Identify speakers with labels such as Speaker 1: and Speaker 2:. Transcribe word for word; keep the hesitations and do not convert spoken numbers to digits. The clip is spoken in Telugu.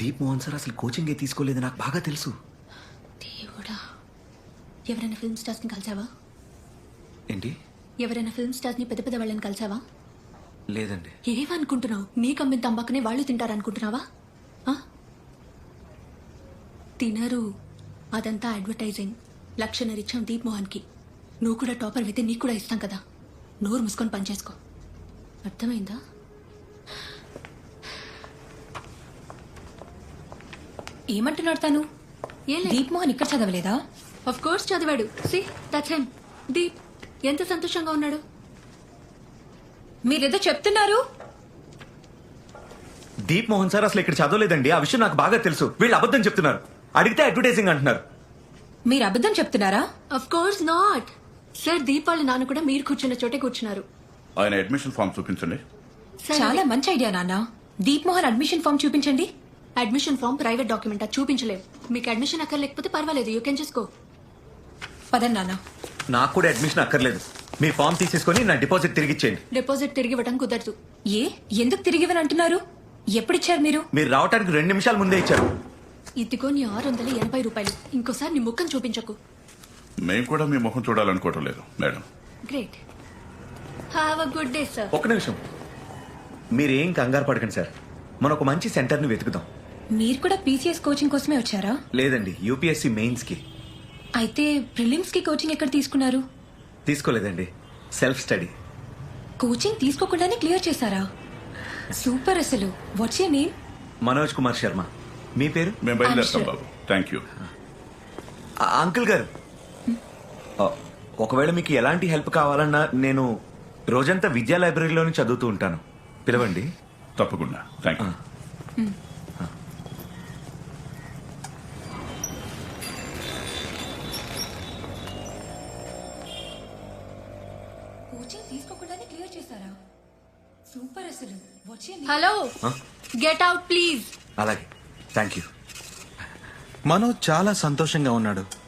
Speaker 1: దీప్ మోహన్ సార్ అసలు కోచింగే తీసుకోలేదు, నాకు బాగా తెలుసు.
Speaker 2: దేవుడా, ఎవరైనా ఫిల్మ్ స్టార్స్ ని కలిసావా?
Speaker 1: ఏంటి?
Speaker 2: ఎవరైనా ఫిల్మ్ స్టార్స్ ని పెద్ద పెద్ద వాళ్ళని కలిసావా?
Speaker 1: లేదండి.
Speaker 2: ఏమనుకుంటున్నావు? నీకు అమ్మిన తంబాకునే వాళ్ళు తింటారనుకుంటున్నావా? ఆ? తినరు, అదంతా అడ్వర్టైజింగ్. లక్షన్నర ఇచ్చాం దీప్ మోహన్ కి. నువ్వు కూడా టాపర్ అయితే నీకు కూడా ఇస్తాం కదా. నోరు మూసుకొని పనిచేసుకో, అర్థమైందా?
Speaker 3: ఏమంటున్నాడు తను? దీప్ మోహన్ ఇక్కడ చదవలేదా?
Speaker 2: ఆఫ్ కోర్స్ చదివాడు. See that's him. దీప్ ఎంత సంతోషంగా ఉన్నాడు.
Speaker 3: మీరేదో చెప్తున్నారు.
Speaker 1: దీప్ మోహన్ సార్ అసలు ఇక్కడ చదవలేదండి, ఆ విషయం నాకు బాగా తెలుసు. వీళ్ళు అబద్ధం చెప్తున్నారు. అడిగితే అడ్వర్టైజింగ్ అంటున్నారు.
Speaker 3: మీరు అబద్ధం చెప్తున్నారా?
Speaker 2: Of course not sir. Deep వాళ్ళ నాన్న కూడా మీరు కూర్చున్న చోటే కూర్చున్నారు.
Speaker 4: ఆయన అడ్మిషన్ ఫామ్ చూపించండి.
Speaker 3: చాలా మంచి ఐడియా నాన్న. దీప్ మోహన్ అడ్మిషన్ ఫామ్ చూపించండి.
Speaker 2: అడ్మిషన్ ఫామ్ ప్రైవేట్ డాక్యుమెంట్, అది చూపించలేవు. మీకు అడ్మిషన్ అక్కర్లేకపోతే పర్వాలేదు, యూ కెన్ జస్ట్ గో.
Speaker 3: పదండి నాన్న.
Speaker 1: నాకు కూడా అడ్మిషన్ అక్కర్లేదు. మీ ఫామ్ తీసేసుకొని నా డిపాజిట్ తిరిగి ఇచ్చేయండి.
Speaker 2: డిపాజిట్ తిరిగి ఇవ్వడం కుదరదు.
Speaker 3: ఏ ఎందుకు తిరిగివని అంటున్నారు? ఎప్పుడిచ్చారు మీరు?
Speaker 1: మీరు రావడానికి రెండు నిమిషాల ముందే ఇచ్చారు.
Speaker 2: ఇదిగో నీ ఆరు వందల ఎనభై రూపాయలు. ఇంకోసారి నీ ముఖం చూపించకు.
Speaker 4: మేము కూడా మీ ముఖం చూడాలనుకోవటం లేదు madam.
Speaker 2: Great. Have a good day sir.
Speaker 1: ఒక్క నిమిషం, మీరేం కంగారు పడకండి సార్. మనం ఒక మంచి సెంటర్ని వెతుకుదాం.
Speaker 3: మీరు కూడా పీసీఎస్ కోచింగ్ కోసమే వచ్చారా?
Speaker 1: లేదండి, యూపీఎస్సీ మెయిన్స్ కి.
Speaker 3: అయితే ప్రిలిమ్స్ కి కోచింగ్ ఎక్కడ తీసుకున్నారు?
Speaker 1: తీసుకోలేదండి, సెల్ఫ్ స్టడీ.
Speaker 3: కోచింగ్ తీసుకోకుండానే క్లియర్ చేశారా? సూపర్. అసలు what's your name?
Speaker 1: Manoj Kumar Sharma. మీ పేరు?
Speaker 4: మేము బయలుదేరుతాం బాబు. Thank you.
Speaker 1: ఆ, అంకుల్ గారు, ఆ, ఒకవేళ మీకు ఎలాంటి హెల్ప్ కావాలన్నా నేను రోజంతా విద్యా లైబ్రరీలోనే చదువుతూ ఉంటాను. పిలవండి.
Speaker 4: తప్పకుండా. Thank you.
Speaker 3: కోచింగ్ తీసుకోకుండానే క్లియర్ చేశారా? సూపర్. అసలు what's your name?
Speaker 2: Hello, get out please.
Speaker 1: అలాగే, థ్యాంక్ యూ.
Speaker 5: మనోజ్ చాలా సంతోషంగా ఉన్నాడు.